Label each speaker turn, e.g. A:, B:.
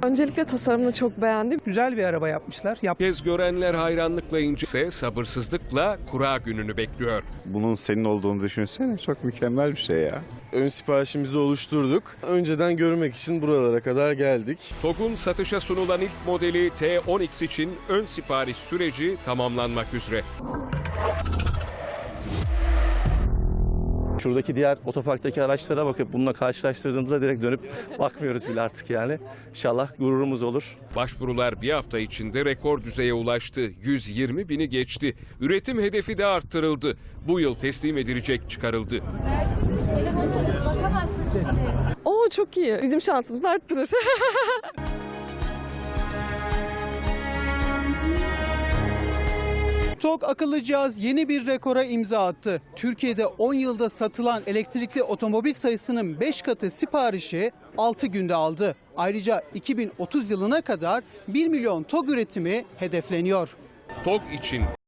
A: Öncelikle tasarımını çok beğendim.
B: Güzel bir araba yapmışlar.
C: Kez görenler hayranlıkla ince, sabırsızlıkla kura gününü bekliyor.
D: Bunun senin olduğunu düşünsene, çok mükemmel bir şey ya.
E: Ön siparişimizi oluşturduk. Önceden görmek için buralara kadar geldik.
C: TOG'un satışa sunulan ilk modeli T10X için ön sipariş süreci tamamlanmak üzere.
F: Şuradaki diğer otoparktaki araçlara bakıp bununla karşılaştırdığımızda direkt dönüp bakmıyoruz bile artık yani. İnşallah gururumuz olur.
C: Başvurular bir hafta içinde rekor düzeye ulaştı. 120 bini geçti. Üretim hedefi de arttırıldı. Bu yıl teslim edilecek çıkarıldı.
A: Oo, çok iyi. Bizim şansımızı arttırır.
G: TOG akıllı cihaz yeni bir rekora imza attı. Türkiye'de 10 yılda satılan elektrikli otomobil sayısının 5 katı siparişi 6 günde aldı. Ayrıca 2030 yılına kadar 1 milyon TOG üretimi hedefleniyor.
C: TOG için